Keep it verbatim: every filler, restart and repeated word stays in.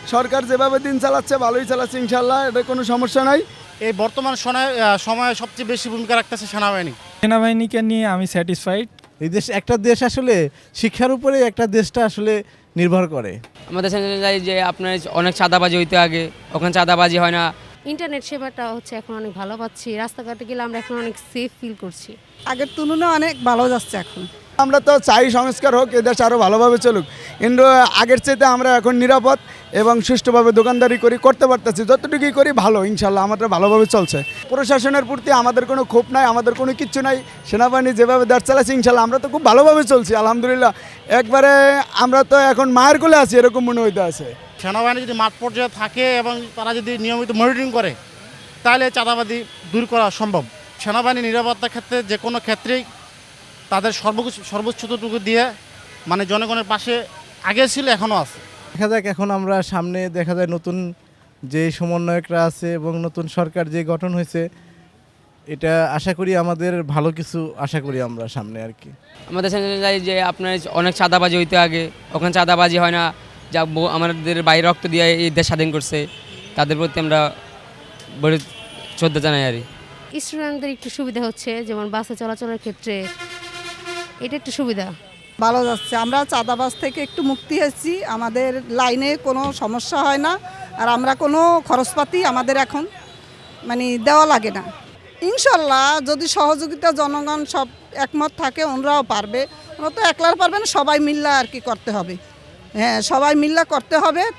সরকার যেভাবে দিন চালাচ্ছে ভালোই চালাচ্ছে, ইনশাল্লাহ এটা কোনো সমস্যা নাই। এই বর্তমান সময়ে সময়ে সবচেয়ে বেশি ভূমিকা রাখতেছে সেনাবাহিনী। সেনাবাহিনীকে নিয়ে আমি স্যাটিসফাইড। এই দেশ একটা দেশ আসলে শিক্ষার উপরে একটা দেশটা আসলে নির্ভর করে। আমাদের সেখানে যে আপনার অনেক চাঁদাবাজি হইতে আগে, ওখানে চাঁদাবাজি হয় না। ইন্টারনেট সেবাটা হচ্ছে এখন অনেক ভালো পাচ্ছি, রাস্তাঘাটে গেলে আমরা এখন অনেক সেফ ফিল করছি। আগের তুলনায় অনেক ভালো যাচ্ছে এখন। আমরা তো চাই সংস্কার হোক, এদেশ আরও ভালোভাবে চলুক, কিন্তু আগের চাইতে আমরা এখন নিরাপদ এবং সুষ্ঠুভাবে দোকানদারি করি করতে পারতেছি, যতটুকুই করি ভালো, ইনশাল্লাহ আমাদের ভালোভাবে চলছে। প্রশাসনের প্রতি আমাদের কোনো ক্ষোভ নাই, আমাদের কোনো কিচ্ছু নাই। সেনাবাহিনী যেভাবে দেশ চালাচ্ছে ইনশাল্লাহ আমরা তো খুব ভালোভাবে চলছি, আলহামদুলিল্লাহ। একবারে আমরা তো এখন মায়ের কোলে আছি এরকম মনে হইতে আছে। সেনাবাহিনী যদি মাঠ পর্যায়ে থাকে এবং তারা যদি নিয়মিত মনিটরিং করে তাহলে চাঁদাবাজি দূর করা সম্ভব। সেনাবাহিনী নিরাপত্তার ক্ষেত্রে যে কোনো ক্ষেত্রেই তাদের সর্বোচ্চ সর্বোচ্চটুকু দিয়ে মানে জনগণের পাশে আগে ছিল এখনও আছে। দেখা যাক এখন আমরা সামনে দেখা যায় নতুন যে সমন্বয়করা আছে এবং নতুন সরকার যে গঠন হয়েছে, এটা আশা করি আমাদের ভালো কিছু আশা করি আমরা সামনে আর কি। আমাদের সেখানে যে আপনার অনেক চাঁদাবাজি হইতে আগে, ওখানে চাঁদাবাজি হয় না। যা আমাদের বাইরে রক্ত দিয়ে এই দেশ স্বাধীন করছে, তাদের প্রতি আমরা বড় শ্রদ্ধা জানাই আর স্টুডেন্টদের একটু সুবিধা হচ্ছে, যেমন বাসে চলাচলের ক্ষেত্রে এটা একটু সুবিধা। ভালো যাচ্ছে, আমরা চাঁদাবাজ থেকে একটু মুক্তি হয়েছি, আমাদের লাইনে কোনো সমস্যা হয় না, আর আমরা কোনো খরচপাতি আমাদের এখন মানে দেওয়া লাগে না। ইনশাল্লাহ যদি সহযোগিতা জনগণ সব একমত থাকে ওনারাও পারবে, ওরা তো একলার পারবে না, সবাই মিল্লা আর কি করতে হবে। হ্যাঁ, সবাই মিল্লা করতে হবে।